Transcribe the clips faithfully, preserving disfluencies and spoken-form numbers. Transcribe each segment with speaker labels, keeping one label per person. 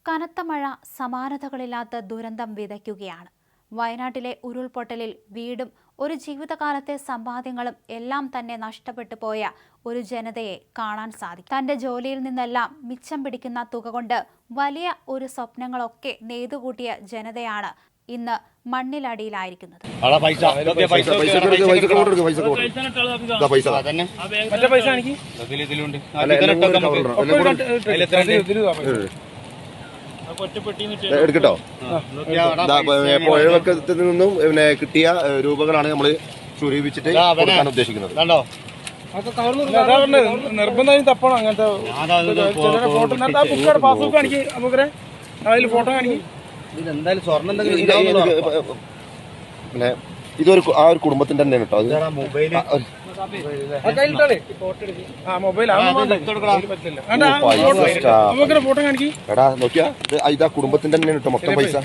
Speaker 1: കനത്ത മഴ സമാനതകളില്ലാത്ത ദുരന്തം വിതയ്ക്കുകയാണ്. വയനാട്ടിലെ ഉരുൾപൊട്ടലിൽ വീടും ഒരു ജീവിതകാലത്തെ സമ്പാദ്യങ്ങളും എല്ലാം തന്നെ നഷ്ടപ്പെട്ടു പോയ ഒരു ജനതയെ കാണാൻ സാധിക്കും. തന്റെ ജോലിയിൽ നിന്നെല്ലാം മിച്ചം പിടിക്കുന്ന തുക കൊണ്ട് വലിയ ഒരു സ്വപ്നങ്ങളൊക്കെ നെയ്തുകൂട്ടിയ ജനതയാണ് ഇന്ന് മണ്ണിലടിയിലായിരിക്കുന്നത്.
Speaker 2: എടുക്കട്ടോ പുഴവക്കത്തിൽ നിന്നും പിന്നെ കിട്ടിയ രൂപകളാണ് നമ്മൾ സ്വരൂപിച്ചിട്ട് കൊടുക്കാൻ ഉദ്ദേശിക്കുന്നത്.
Speaker 3: നിർബന്ധമായും തപ്പണം അങ്ങനത്തെ ഫോട്ടോ പാസ്ബുക്ക് കാണിക്ക് നമുക്ക് അതിൽ ഫോട്ടോ കാണിക്കും.
Speaker 2: ഇതെന്തായാലും സ്വർണ്ണം പിന്നെ ഇതൊരു ആ ഒരു കുടുംബത്തിന്റെ തന്നെയാണ് കേട്ടോ. അത് മൊബൈൽ
Speaker 3: ഫോട്ടോ കാണിക്കും.
Speaker 2: എടാ നോക്കിയാ ഇതാ കുടുംബത്തിന്റെ തന്നെയാണ് കേട്ടോ മൊത്തം പൈസ.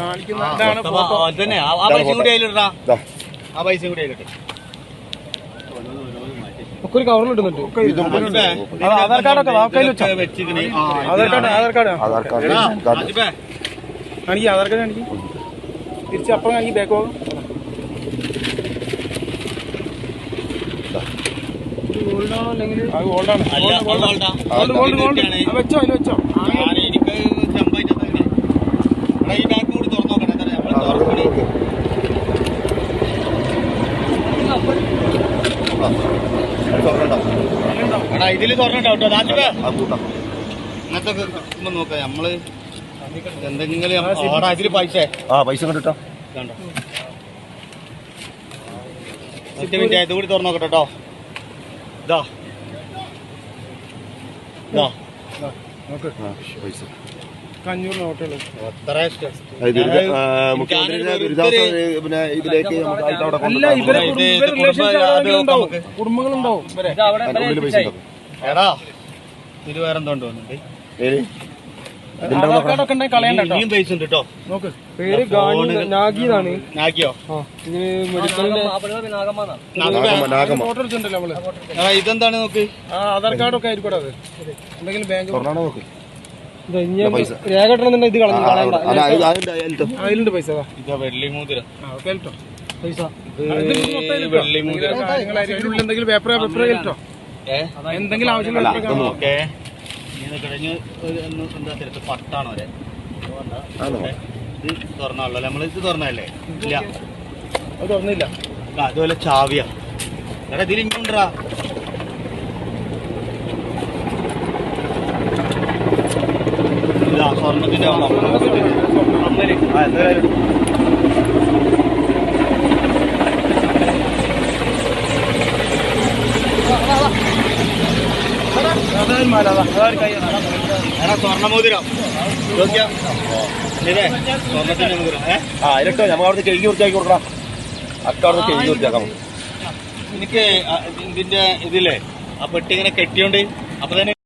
Speaker 3: ഒരു കവറിലിടുന്നുണ്ട്. ആധാർ കാർഡൊക്കെ Aadhaar card Aadhaar card
Speaker 2: Aadhaar card
Speaker 3: കാണിക്കും. ആധാർ കാർഡ് കാണിക്കും. തിരിച്ച് അപ്പുറം കാണിക്കും. ബാക്ക് പോകും. വെച്ചോ അതിൽ വെച്ചോ.
Speaker 4: ഇതില് തുറന്നിട്ടോ അങ്ങനത്തെ നോക്കാം നമ്മള് എന്തെങ്കിലും ഇതില് പൈസ
Speaker 2: ആ പൈസ കണ്ടിട്ടോ
Speaker 4: കണ്ടോ. മിനിറ്റ് ഇത് കൂടി തുറന്നു നോക്കട്ടോ കേട്ടോ. ഇതാ ഇതാ
Speaker 2: പൈസ
Speaker 3: അഞ്ഞൂറ് നോട്ടുകൾ
Speaker 2: മുഖ്യമന്ത്രിയുടെ ദുരിതാശ്വാസ പിന്നെ ഇതിലേക്ക്
Speaker 3: കുടുംബങ്ങളുണ്ടാവും.
Speaker 2: പൈസ
Speaker 4: എടാ ഇത് വേറെ എന്തോ തോന്നുന്നുണ്ട്. ഇനിയും പൈസ ഉണ്ട് കേട്ടോ.
Speaker 3: നോക്ക് പേര് നാഗിന്നാണ്.
Speaker 4: നാഗിയോ?
Speaker 3: ഫോട്ടോ എടുത്തിട്ടുണ്ടല്ലോ നമ്മള്.
Speaker 4: ഇതെന്താണ് നോക്ക്.
Speaker 3: ആധാർ കാർഡൊക്കെ ആയിരിക്കും അത്. എന്തെങ്കിലും ബാങ്ക്
Speaker 2: നോക്ക്
Speaker 3: രേഖ ഇടണമെന്നുണ്ടെങ്കിൽ ഇത് കളഞ്ഞു അതിലുണ്ട് പൈസ.
Speaker 4: ഇതാ വെള്ളി മോതിരം
Speaker 3: പൈസ
Speaker 4: വെള്ളി മോതിരം
Speaker 3: എന്തെങ്കിലും പേപ്പർ പേപ്പർ കേട്ടോ. എന്തെങ്കിലും ആവശ്യമില്ല.
Speaker 4: ഓക്കെ കഴിഞ്ഞ് എന്താ തിരക്ക് പട്ടാണോ വരെ ഇത് തുറന്നാണല്ലോ. നമ്മൾ ഇത് തുറന്നല്ലേ? ഇല്ല
Speaker 3: അത് തുറന്നില്ല.
Speaker 4: അതുപോലെ ചാവിയാ. എടാ ഇതിൽ ഇങ്ങോട്ടാ സ്വർണത്തിന്റെ എടാ സ്വർണ്ണമോതിരം ഇതേ സ്വർണത്തിന്റെ മോതിരം.
Speaker 2: ആ അതിലിട്ടോ നമ്മൾ അവിടെ കഴുകി വൃത്തിയാക്കി കൊടുക്കണം. അക്ക അവിടെ കഴുകി വൃത്തിയാക്കാം.
Speaker 4: എനിക്ക് ഇതിന്റെ ഇതില്ലേ ആ പെട്ടി ഇങ്ങനെ കെട്ടിയോണ്ട് അപ്പൊ തന്നെ